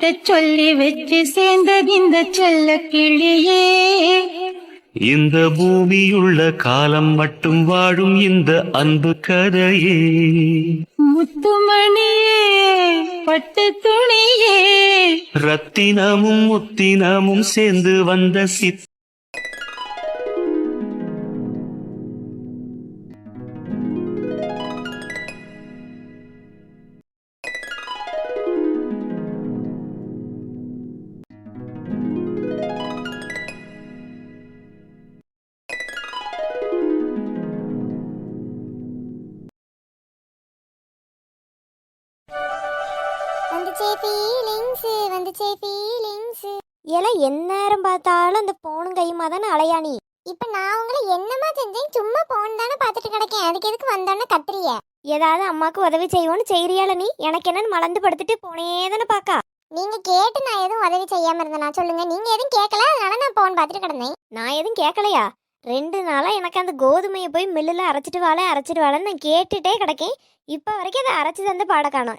கிட்ட சொல்லி வச்சு சேர்ந்தது இந்த செல்ல கிளியே. இந்த பூமியுள்ள காலம் மட்டும் வாழும் இந்த அன்பு கதையே. முத்துமணியே பட்டு துணியே, ரத்தினமும் முத்தினமும் சேர்ந்து வந்த எந்நேரம் பார்த்தாலும் அந்த போனும் கையுமா தானே அலையாணி. இப்ப நான் உங்களை என்னமா செஞ்சேன்? சும்மா போன் தானே பார்த்துட்டு கிடக்கேன். அதுக்கு எதுக்கு வந்தோன்னு கத்துறிய? ஏதாவது அம்மாக்கு உதவி செய்வோன்னு செய்யறியால நீ? எனக்கு என்னன்னு மலர்ந்து படுத்துட்டு போனே தானே பாக்கா. நீங்க கேட்டு நான் எதுவும் உதவி செய்யாம இருந்தேனா சொல்லுங்க? நீங்க எதுவும் கேட்கல, அதனால நான் போன் பார்த்துட்டு கிடந்தேன். நான் எதுவும் கேட்கலையா? 2 நாளா எனக்கு அந்த கோதுமையை போய் மில்லுல அரைச்சிட்டு வாழன்னு நான் கேட்டுட்டே கிடக்கேன். இப்ப வரைக்கும் அதை அரைச்சி தந்து பாட காணோம்.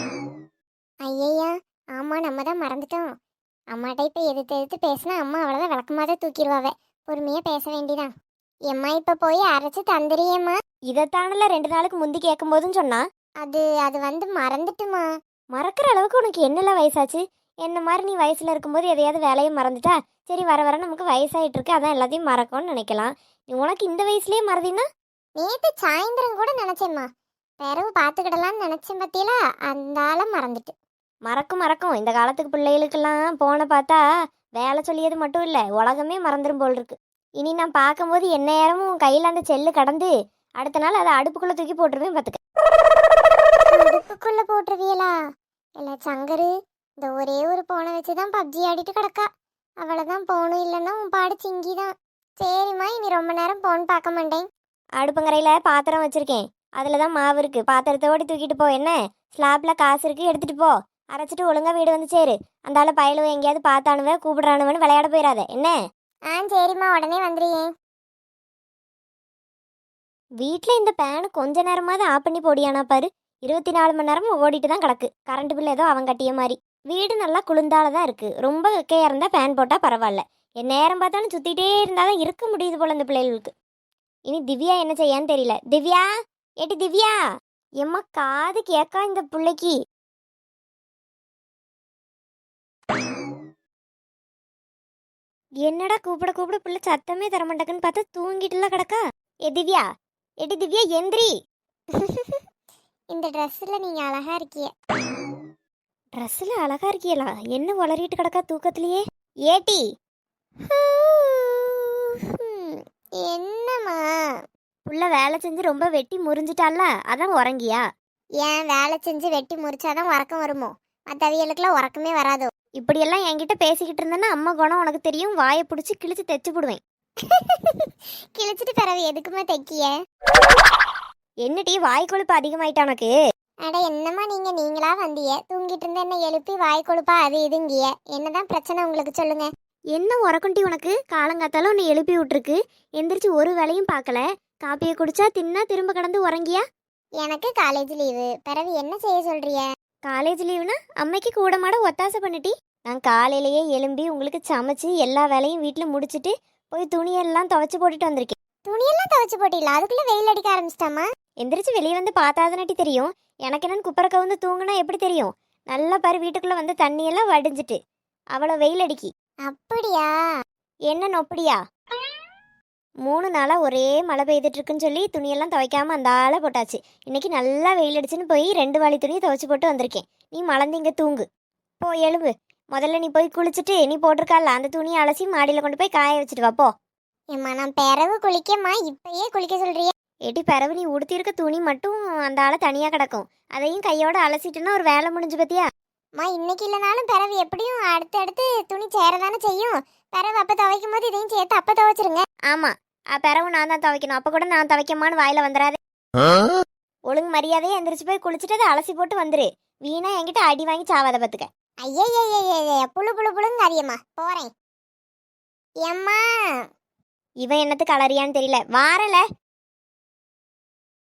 ஐயா, ஆமா நம்ம தான் மறந்துட்டோம். அம்மாட்ட இப்ப எதிர்த்து பேசினா அம்மா அவ்வளவுதான் விளக்கமாதான் தூக்கிடுவாவே. பொறுமையா பேச வேண்டிதான். எம்மா இப்ப போய் அரைச்சு தந்துறியம்மா. இதைத்தானல 2 நாளுக்கு முந்தி கேட்கும் போதும் சொன்னா. அது வந்து மறந்துட்டுமா. மறக்கிற அளவுக்கு உனக்கு என்னெல்லாம் வயசாச்சு? என்ன மாதிரி நீ வயசுல இருக்கும்போது எதையாவது வேலையை மறந்துட்டா சரி, வர வர நமக்கு வயசாயிட்டு இருக்கு, அதான் எல்லாத்தையும் மறக்கும்னு நினைக்கலாம். உனக்கு இந்த வயசுலயே மறதினா? நேத்து சாயந்தரம் கூட நினைச்சேம்மா, பிறவு பாத்துக்கிடலான்னு நினைச்சேன். பத்தியில அந்த ஆள மறந்துட்டு. மறக்கும். இந்த காலத்துக்கு பிள்ளைகளுக்கெல்லாம் போன பார்த்தா வேலை சொல்லியது மட்டும் இல்லை, உலகமே மறந்துடும் போல் இருக்கு. இனி நான் பார்க்கும்போது என்ன நேரமும் கையில் அந்த செல்லு கடந்து அடுத்த நாள் அதை அடுப்புக்குள்ளே தூக்கி போட்டுருவேன் பார்த்துக்க. அடுப்புக்குள்ள போட்டுருவியலா? இல்லை சங்கரு, இந்த ஒரே ஒரு போனை வச்சுதான் பப்ஜி ஆடிட்டு கிடக்கா. அவ்வளோதான், போனும் இல்லைன்னா உன் பாடு சிங்கிதான். சரிம்மா, இனி ரொம்ப நேரம் போன் பார்க்க மாட்டேன். அடுப்புங்கரையில் பாத்திரம் வச்சுருக்கேன், அதில் தான் மாவு இருக்குது. பாத்திரத்தோடு தூக்கிட்டு போ. என்ன ஸ்லாப்பில் காசு இருக்குது, எடுத்துகிட்டு போ. அரைச்சிட்டு ஒழுங்கா வீடு வந்து சேரு. அந்த ஆள் பயலுவ எங்கேயாவது பார்த்தானுவ கூப்பிடுறானுவன்னு விளையாட போயிடாத என்ன? சரிம்மா, உடனே வந்துடுறேன். வீட்டில் இந்த பேனு கொஞ்ச நேரமாவது ஆஃப் பண்ணி போடியானா பாரு. 24 மணி நேரமும் ஓடிட்டு தான் கிடக்கு. கரண்ட் பில் ஏதோ அவன் கட்டிய மாதிரி. வீடு நல்லா குளிர்ந்தால தான் இருக்குது. ரொம்ப வெக்கையாக இருந்தால் ஃபேன் போட்டால் பரவாயில்ல. என் நேரம் பார்த்தாலும் சுற்றிட்டே இருந்தால் தான் இருக்க முடியுது போல் இந்த பிள்ளைகளுக்கு. இனி திவ்யா என்ன செய்யான்னு தெரியல. திவ்யா, ஏட்டி திவ்யா, எம்மா காது கேட்கா இந்த பிள்ளைக்கு. என்னடா கூப்பிட பிள்ளை சத்தமே தரமாட்டேக்குன்னு பார்த்தா தூங்கிட்டுலாம் கிடக்கா. ஏட்டி திவ்யா எந்திரி. இந்த ட்ரெஸ்ஸில் நீங்கள் அழகா இருக்கிய. ட்ரெஸ்ஸில் அழகா இருக்கியலா? என்ன வளரிட்டு கிடக்கா தூக்கத்திலேயே. ஏட்டி என்னம்மா? புள்ள வேலை செஞ்சு ரொம்ப வெட்டி முறிஞ்சிட்டால, அதான் உறங்கியா? ஏன் வேலை செஞ்சு வெட்டி முறிச்சாதான் உறக்கம் வருமோ? மற்றவியலுக்குலாம் உறக்கமே வராதோ? இப்படியெல்லாம் என்கிட்ட பேசிக்கிட்டு இருந்தேன்னா அம்மா குணம் உனக்கு தெரியும். வாயை பிடிச்சி கிழிச்சு தைச்சு போடுவேன். கிழிச்சிட்டு பிறகு எதுக்குமா தைக்கிய? என்னடி வாய் கொழுப்பு அதிகமாயிட்டா உனக்கு? அட என்னம்மா நீங்களா வந்திய? தூங்கிட்டு இருந்த என்ன எழுப்பி வாய் கொழுப்பா அது இதுங்கிய. என்னதான் பிரச்சனை உங்களுக்கு சொல்லுங்க. என்ன உறக்குண்டி உனக்கு? காலங்காத்தாலும் உன்னை எழுப்பி விட்டுருக்கு, எந்திரிச்சு ஒரு வேலையும் பார்க்கல. காப்பியை குடிச்சா தின்னா திரும்ப கடந்து உறங்கியா? எனக்கு காலேஜ் லீவு, பிறகு என்ன செய்ய சொல்றிய? காலேஜ் லீவுனா அம்மைக்கு கூட மாட ஒத்தாசை பண்ணிட்டி. நான் காலையிலேயே எழும்பி உங்களுக்கு சமைச்சு எல்லா வேலையும் வீட்டில் முடிச்சுட்டு போய் துணியெல்லாம் துவைச்சு போட்டுட்டு வந்திருக்கேன். துணியெல்லாம் துவைச்சு போட்டில? அதுக்குள்ள வெயில் அடிக்க ஆரம்பிச்சிட்டாமா? எந்திரிச்சு வெளியே வந்து பார்த்தாதனாட்டி தெரியும். எனக்கு என்னன்னு குப்பரை கவுந்து தூங்குனா எப்படி தெரியும்? நல்லா பாரு, வீட்டுக்குள்ள வந்து தண்ணியெல்லாம் வடிஞ்சிட்டு அவ்வளோ வெயில் அடிக்கி. அப்படியா? என்ன நொப்படியா? 3 நாளாக ஒரே மழை பெய்துட்டு இருக்குன்னு சொல்லி துணியெல்லாம் துவைக்காம அந்த ஆளை போட்டாச்சு. இன்னைக்கு நல்லா வெயில் அடிச்சுன்னு போய் 2 வாளி துணியை துவைச்சு போட்டு வந்திருக்கேன். நீ மலர்ந்து இங்கே தூங்கு. போ எழும்பு. முதல்ல நீ போய் குளிச்சுட்டு நீ போட்டிருக்கால அந்த துணியை அலசி மாடியில் கொண்டு போய் காய வச்சுட்டு வாப்போ. ஏம்மா, நான் பிறவு குளிக்கம்மா, இப்பயே குளிக்க சொல்றிய? ஏட்டி பிறவு நீ உடுத்திருக்க துணி மட்டும் அந்த ஆளை தனியாக கிடக்கும், அதையும் கையோட அலசிட்டுன்னா ஒரு வேலை முடிஞ்சு பத்தியா? அம்மா, இன்னைக்கு இல்லைனாலும் பிறவு எப்படியும் அடுத்தடுத்து துணி சேரதானே செய்யும். பிறவு அப்போ துவைக்கும் போது இதையும் சேர்த்து அப்போ துவைச்சிருங்க. ஆமாம், பிறவு நான் தான் துவைக்கணும். அப்போ கூட நான் துவைக்கமான்னு வாயில வந்துடாது. ஒழுங்கு மரியாதையே எந்திரிச்சு போய் குளிச்சுட்டு அதை அலசி போட்டு வந்துரு. வீணா என்கிட்ட அடி வாங்கி சாவாத பத்துக்க. ஐயய்ய, புழுங்க அறியம்மா, போறேன். எம்மா, இவன் என்னத்துக்கு அலறியான்னு தெரியல. வாரல.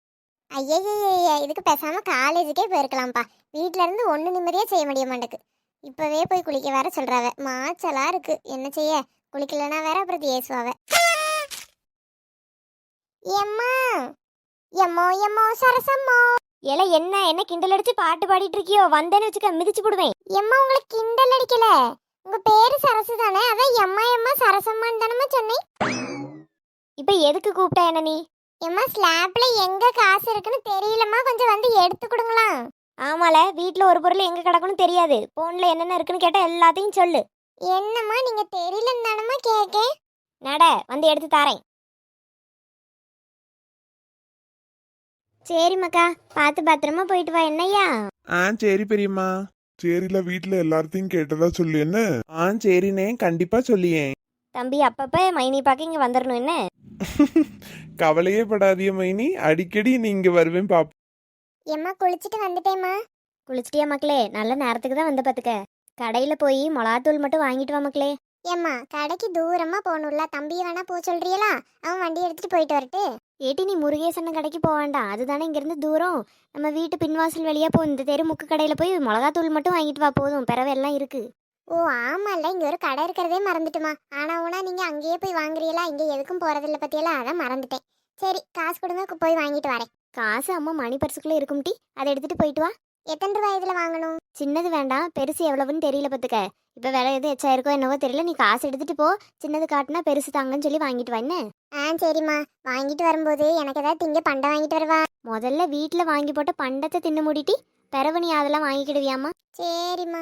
ஐயய்ய, இதுக்கு பேசாம காலேஜுக்கே போயிருக்கலாம்ப்பா. வீட்டுல இருந்து ஒண்ணு நிம்மதியா செய்ய முடிய மாட்டேக்கு. இப்பவே போய் குளிக்க வேற சொல்றாவ. மாச்சலா இருக்கு. என்ன செய்ய? குளிக்கலனா வேற அப்புறம் ஏசுவாவ. எம்மா எம்மோ எம்மோ சரசம்மோ. ஏல என்ன கிண்டல் அடிச்சு பாட்டு பாடிட்டு இருக்கியோ? வந்தேன்னு வச்சுக்க மிதிச்சு போடுவேன். எம்மா உங்களுக்கு கிண்டல் அடிக்கல. உங்க பேரு சரசு தானே? அதான் எம்மா எம்மா சரசம்மான்னு தானம்மா சொன்னேன். இப்ப எதுக்கு கூப்பிட்ட என்ன நீ? எம்மா ஸ்லாப்ல எங்க காசு இருக்குன்னு தெரியலம்மா, கொஞ்சம் வந்து எடுத்து கொடுங்களா? ஆமால, வீட்ல ஒரு பொருள் எங்க கிடக்குன்னு தெரியாது. போன்ல என்னென்ன இருக்குன்னு கேட்டா எல்லாத்தையும் சொல்லு. என்னம்மா நீங்க தெரியலன்னு தானம்மா கேக்கேன். நட, வந்து எடுத்து தாரேன். சரி மக்கா, பார்த்து பத்திரமா போயிட்டு வா. என்னய்யா? சரி பெரியம்மா. சரில வீட்ல எல்லார்த்தையும் கேட்டதா சொல்லு என்ன. சரிண்ணே, கண்டிப்பா சொல்லியேன். தம்பி அப்பப்ப மைனி பார்க்க இங்க வந்துடணும் என்ன? கவலையே படாதிய மைனி, அடிக்கடி நீங்க வருவேன் பாப்போம். எம்மா குளிச்சுட்டு வந்துட்டேம்மா. குளிச்சிட்டியா மக்களே? நல்ல நேரத்துக்கு தான் வந்த பாத்துக்க. கடையில போய் மிளகாத்தூள் மட்டும் வாங்கிட்டு வா மக்களே. ஏம்மா கடைக்கு தூரமா போகணும்ல, தம்பியை வேணா போக சொல்றியலா? அவன் வண்டி எடுத்துட்டு போயிட்டு வரட்டு. ஏட்டி நீ முருகேசன் கடைக்கு போக வேண்டாம், அதுதானே இங்கிருந்து தூரம். நம்ம வீட்டு பின்வாசல் வழியா போ. இந்த தெரு முக்கு கடையில போய் மிளகாத்தூள் மட்டும் வாங்கிட்டு வா போதும், பிறவை எல்லாம் இருக்கு. ஓ ஆமால்ல, இங்க ஒரு கடை இருக்கிறதே மறந்துட்டுமா. ஆனா ஊனா நீங்க அங்கேயே போய் வாங்குறீங்களா? இங்க எதுக்கும் போறதில்ல பத்தியெல்லாம், அதான் மறந்துட்டேன். சரி காசு கொடுங்க, போய் வாங்கிட்டு வரேன். காசு அம்மா மணி பர்சுக்குள்ள இருக்கும் டி, அதை எடுத்துட்டு போயிட்டு வா. எத்தனை ரூபாய் இதுல வாங்கணும்? சின்னது வேண்டாம், பெருசு எவ்வளவுன்னு தெரியல பத்துக்க. இப்ப விலை எது எச்சாயிருக்கோ என்னவோ தெரியல. நீ காசு எடுத்துட்டு போ, சின்னது காட்டுனா பெருசு தாங்கன்னு சொல்லி வாங்கிட்டு வா என்ன. சரிம்மா, வாங்கிட்டு வரும்போது எனக்கு ஏதாவது திங்க பண்டை வாங்கிட்டு வருவா. முதல்ல வீட்டுல வாங்கி போட்ட பண்டத்தை தின்னு மூடிட்டி, பிறவு நீ அதெல்லாம் வாங்கிக்கிடுவியாமா? சரிம்மா.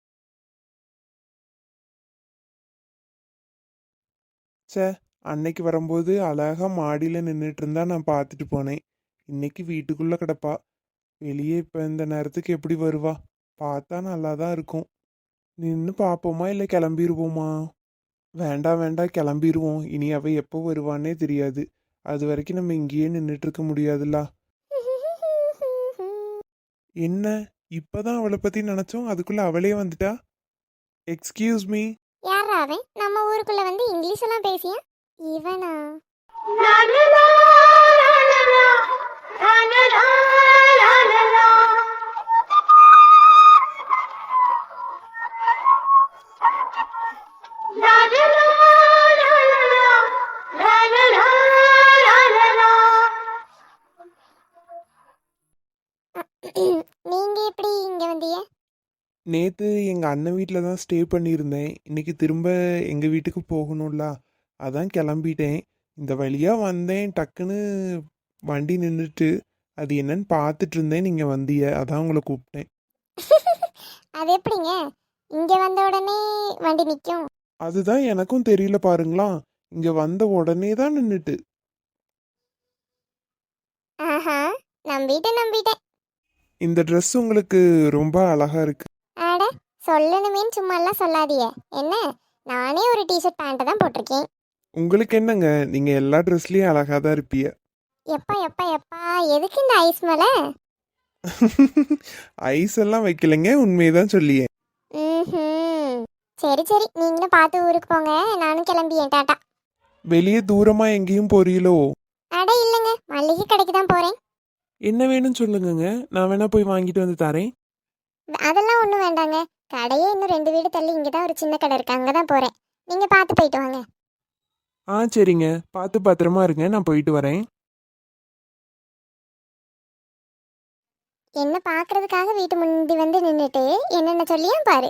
சே, அன்னைக்கு வரும்போது அழகா மாடியில நின்றுட்டு இருந்தா நான் பார்த்துட்டு போனேன். இன்னைக்கு வீட்டுக்குள்ள கிடப்பா. வெளியே இப்ப இந்த நேரத்துக்கு எப்படி வருவா? பார்த்தா நல்லா தான் இருக்கும். நின்று பார்ப்போமா இல்லை கிளம்பிடுவோமா? வேண்டாம் வேண்டாம், கிளம்பிடுவோம். இனி அவ எப்போ வருவான்னே தெரியாது. அது வரைக்கும் நம்ம இங்கேயே நின்றுட்டு இருக்க முடியாதுல்ல. என்ன இப்பதான் அவளை பத்தி நினைச்சோம், அதுக்குள்ள அவளே வந்துட்டா. Excuse me. யாரா அவன்? நம்ம ஊருக்குள்ள வந்து இங்கிலீஷ் எல்லாம் பேசியா? இவனா? நீங்க எப்படி இங்க வந்தீங்க? நேற்று எங்கள் அண்ணன் வீட்டில் தான் ஸ்டே பண்ணியிருந்தேன். இன்னைக்கு திரும்ப எங்கள் வீட்டுக்கு போகணும்ல, அதான் கிளம்பிட்டேன். இந்த வழியாக வந்தேன், டக்குன்னு வண்டி நின்றுட்டு அது என்னன்னு பார்த்துட்டு இருந்தேன். நீங்கள் வந்தீங்க, அதான் உங்களை கூப்பிட்டேன். அது எப்படிங்க இங்க வந்த உடனே வண்டி நிக்கும்? அதுதான் எனக்கும் தெரியல பாருங்களா. இங்கே வந்த உடனே தான் நின்றுட்டு. ஆஹா, நம்பிட்டேன். இந்த ட்ரெஸ் உங்களுக்கு ரொம்ப அழகா இருக்கு. அட சொல்லணுமேன்னு சும்மா எல்லாம் சொல்லாதீங்க. என்ன, நானே ஒரு டிஷர்ட் பேண்ட் தான் போட்டிருக்கேன். உங்களுக்கு என்னங்க, நீங்கள் எல்லா ட்ரெஸ்லேயும் அழகாக தான் இருப்பீங்க. எப்பா எதுக்கு இந்த ஐஸ் மேல? ஐஸ் எல்லாம் வைக்கலைங்க, உண்மையதான் சொல்லியே. சரி நீங்களும் பார்த்து ஊருக்கு போங்க, நானும் கிளம்பியேன். டாட்டா. வெளியே தூரமா எங்கேயும் போறீங்களோ? அட இல்லைங்க, மல்லிகை கடைக்கு தான் போறேன். என்ன வேணும்னு சொல்லுங்கங்க, நான் வேணா போய் வாங்கிட்டு வந்து தரேன். அதெல்லாம் ஒன்றும் வேண்டாங்க, கடையே இன்னும் 2 வீடு தள்ளி இங்கே தான் ஒரு சின்ன கடை இருக்கு, அங்கே தான் போகிறேன். நீங்கள் பார்த்து போயிட்டு வாங்க. சரிங்க, பார்த்து பத்திரமா இருங்க, நான் போயிட்டு வரேன். என்ன பார்க்கறதுக்காக வீட்டு முன்னாடி வந்து நின்றுட்டு என்னென்ன சொல்லியா பாரு.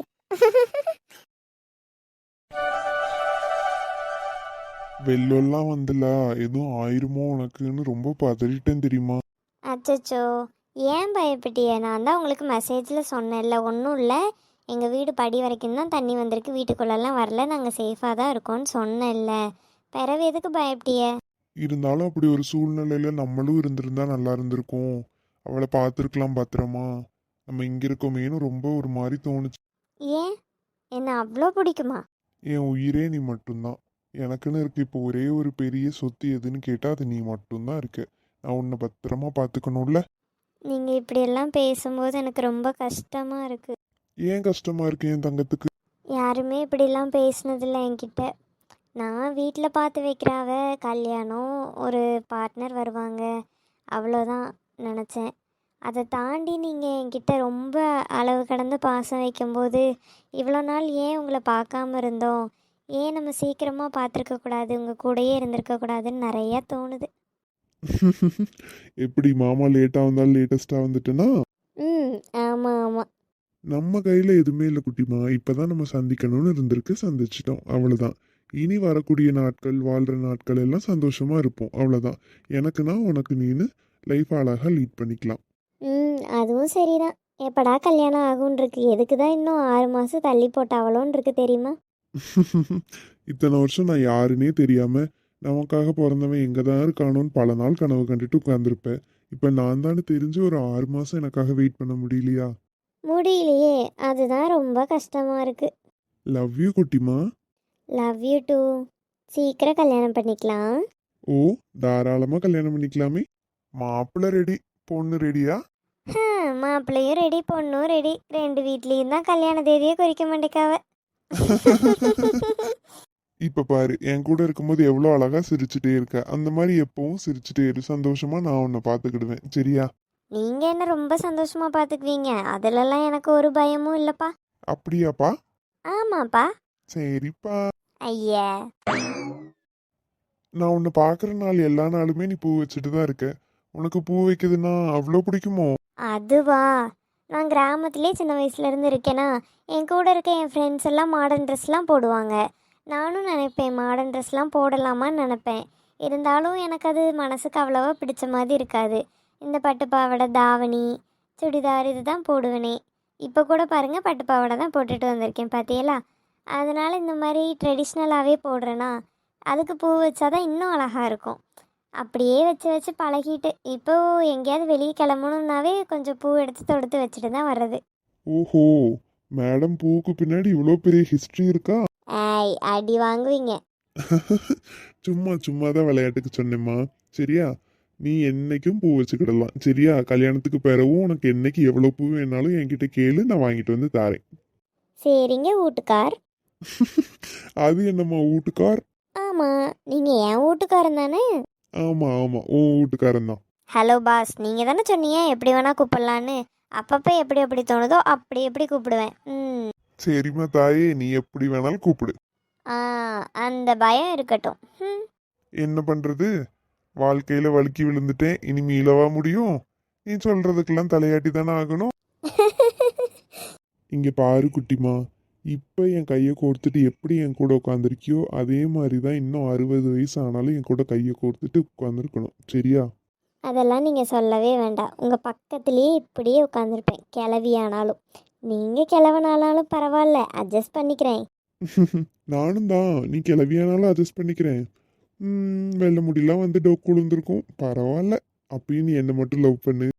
வெள்ளெல்லாம் வந்துல எதுவும் ஆயிருமோ உனக்குன்னு ரொம்ப பதறிட்டேன் தெரியுமா. அச்சச்சோ, ஏன் பயப்பட்டிய? நான் தான் உங்களுக்கு மெசேஜில் சொன்னேன்ல, ஒன்றும் இல்லை. எங்கள் வீடு படி வரைக்கும் தான் தண்ணி வந்திருக்கு, வீட்டுக்குள்ளெல்லாம் வரல, நாங்கள் சேஃபாக தான் இருக்கோம்னு சொன்னேன்ல. பிறவு எதுக்கு பயப்பட்டிய? இருந்தாலும் அப்படி ஒரு சூழ்நிலையில நம்மளும் இருந்திருந்தா நல்லா இருந்திருக்கும். அவளை பார்த்துருக்கலாம் பத்திரமா. நம்ம இங்க இருக்கோமேனு ரொம்ப ஒரு மாதிரி தோணுச்சு. ஏன், என்ன அவ்வளோ பிடிக்குமா? என் உயிரே நீ மட்டும்தான். எனக்குன்னு இருக்கு இப்போ ஒரே ஒரு பெரிய சொத்து எதுன்னு கேட்டா அது நீ மட்டும்தான் இருக்க. நான் உன்னை பத்திரமா பார்த்துக்கணும்ல. நீங்கள் இப்படியெல்லாம் பேசும்போது எனக்கு ரொம்ப கஷ்டமாக இருக்குது. ஏன் கஷ்டமா இருக்கு என் தங்கத்துக்கு? யாருமே இப்படிலாம் பேசினதில்லை என்கிட்ட. நான் வீட்டில் பார்த்து வைக்கிறாவ, கல்யாணம், ஒரு பார்ட்னர் வருவாங்க, அவ்வளோதான் நினச்சேன். அதை தாண்டி நீங்கள் என்கிட்ட ரொம்ப அளவு கடந்த பாசம் வைக்கும்போது இவ்வளோ நாள் ஏன் உங்களை பார்க்காம இருந்தோம், ஏன் நம்ம சீக்கிரமாக பார்த்துருக்க கூடாது, உங்கள் கூடயே இருந்திருக்க கூடாதுன்னு நிறையா தோணுது. எப்படி மாமா லேட்டாக வந்தாலும் லேட்டஸ்ட்டாக வந்துட்டேன்னா ம், ஆமாம் ஆமாம். நம்ம கையில் எதுவுமே இல்லை குட்டிமா. இப்போதான் நம்ம சந்திக்கணும்னு இருந்திருக்கு, சந்திச்சிட்டோம், அவ்வளோதான். இனி வரக்கூடிய நாட்கள், வாழ்கிற நாட்கள் எல்லாம் சந்தோஷமா இருப்போம், அவ்வளோதான். எனக்குன்னா உனக்கு நீனு லைஃப் அழகாக லீட் பண்ணிக்கலாம். ம், அதுவும் சரிதான். எப்படா கல்யாணம் ஆகும்னு இருக்கு. எதுக்கு தான் இன்னும் 6 மாதம் தள்ளி போட்டாவளோன்னு இருக்கு தெரியுமா? இத்தனை வருஷம் நான் யாருன்னே தெரியாம நமக்காக பிறந்தவன் எங்கே தான் இருக்கானோன்னு பல நாள் கனவு கண்டுட்டு உட்காந்துருப்பேன். இப்போ நான் தானே தெரிஞ்சு ஒரு 6 மாதம் எனக்காக வெயிட் பண்ண முடியலையா? முடியலையே, அதுதான் ரொம்ப கஷ்டமாக இருக்கு. லவ் யூ குட்டிமா. Love you too. சீக்கிரம் கல்யாணம் பண்ணிக்கலாம். ஓ, தாராளமாக கல்யாணம் பண்ணிக்கலாமே. மாப்பிள்ளை ரெடி, பொண்ணு ரெடியா? மாப்பிள்ளையும் ரெடி, பொண்ணும் ரெடி. 2 வீட்லேயும் தான் கல்யாண தேதியே குறிக்க மாட்டேக்காவ. இப்போ பாரு, என் கூட இருக்கும்போது எவ்வளோ அழகா சிரிச்சுட்டே இருக்க. அந்த மாதிரி எப்பவும் சிரிச்சுட்டே இரு, சந்தோஷமா நான் உன்னை பார்த்துக்கிடுவேன், சரியா? நீங்கள் என்ன ரொம்ப சந்தோஷமாக பார்த்துக்குவீங்க, அதிலெல்லாம் எனக்கு ஒரு பயமும் இல்லைப்பா. அப்படியாப்பா? ஆமாப்பா. சரிப்பா. ஐயா, நான் உன்னை பார்க்குற நாள் எல்லா நாளுமே நீ பூ வச்சுட்டு தான் இருக்க. உனக்கு பூ வைக்கிறதுனா அவ்வளோ பிடிக்குமோ? அதுவா? நான் கிராமத்திலே சின்ன வயசுலேருந்து இருக்கேனா, என் கூட இருக்க என் ஃப்ரெண்ட்ஸ் எல்லாம் மாடர்ன் ட்ரெஸ்லாம் போடுவாங்க. நானும் நினைப்பேன் மாடர்ன் ட்ரெஸ்லாம் போடலாமான்னு நினப்பேன். இருந்தாலும் எனக்கு அது மனசுக்கு அவ்வளோவா பிடிச்ச மாதிரி இருக்காது. இந்த பட்டு பாவாடை, தாவணி, சுடிதார் இது தான் போடுவேனே. இப்போ கூட பாருங்கள், பட்டு பாவாடை தான் போட்டுட்டு வந்திருக்கேன் பார்த்தியலா. அதனால் இந்த மாதிரி ட்ரெடிஷ்னலாகவே போடுறேன்னா அதுக்கு பூ வச்சாதான் இன்னும் அழகாக இருக்கும். அப்படியே வச்சு வச்சு பழகிட்டு இப்போ எங்கேயாவது வெளியே கிளம்பணுன்னாவே கொஞ்சம் பூ எடுத்து தொடுத்து வச்சுட்டு தான் வர்றது. ஓஹோ, மேடம் பூவுக்கு பின்னாடி இவ்வளோ பெரிய ஹிஸ்ட்ரி இருக்கா? ஏய், அடி வாங்குவீங்க. சும்மா சும்மா தான் விளையாட்டுக்கு சொன்னேம்மா, சரியா? நீ என்னைக்கும் பூ வச்சுக்கிடலாம், சரியா? கல்யாணத்துக்கு பிறகும் உனக்கு என்னைக்கு எவ்வளோ பூ வேணாலும் என்கிட்ட கேளு, நான் வாங்கிட்டு வந்து தாரேன். சரிங்க வீட்டுக்கார். அது என்னம்மா வீட்டுக்கார்? ஆமாம், நீங்கள் என் வீட்டுக்காரன் தானே? ஆமாம் ஆமாம், உன் வீட்டுக்காரன் தான். ஹலோ பாஸ், நீங்கள் தானே சொன்னீங்க எப்படி வேணால் கூப்பிடலான்னு. அப்பப்போ எப்படி எப்படி தோணுதோ அப்படி எப்படி கூப்பிடுவேன். ம். சரிம்மா தாயே, நீ எப்படி வேணாலும் கூப்பிடு. ஆ, அந்த பயம் இருக்கட்டும். ம். என்ன பண்ணுறது, வாழ்க்கையில் வழுக்கி விழுந்துட்டேன், இனி மீளவா முடியும்? நீ சொல்கிறதுக்கெல்லாம் தலையாட்டி தானே ஆகணும். இங்கே பாரு குட்டிமா, இப்போ என் கையை கோர்த்துட்டு எப்படி என் கூட உட்காந்துருக்கியோ அதே மாதிரி தான் இன்னும் 60 வயசு ஆனாலும் என் கூட கையை கோர்த்துட்டு உட்காந்துருக்கணும், சரியா? அதெல்லாம் நீங்கள் சொல்லவே வேண்டாம். உங்கள் பக்கத்துலேயே இப்படியே உட்காந்துருப்பேன், கிளவியானாலும். நீங்கள் கிளவனாலும் பரவாயில்ல, அட்ஜஸ்ட் பண்ணிக்கிறேன். நானும் தான், நீ கிளவியானாலும் அட்ஜஸ்ட் பண்ணிக்கிறேன். வெள்ளை முடியெல்லாம் வந்து டோக்கு விழுந்திருக்கும், பரவாயில்ல. அப்பயும் நீ என்னை மட்டும் லவ் பண்ணு,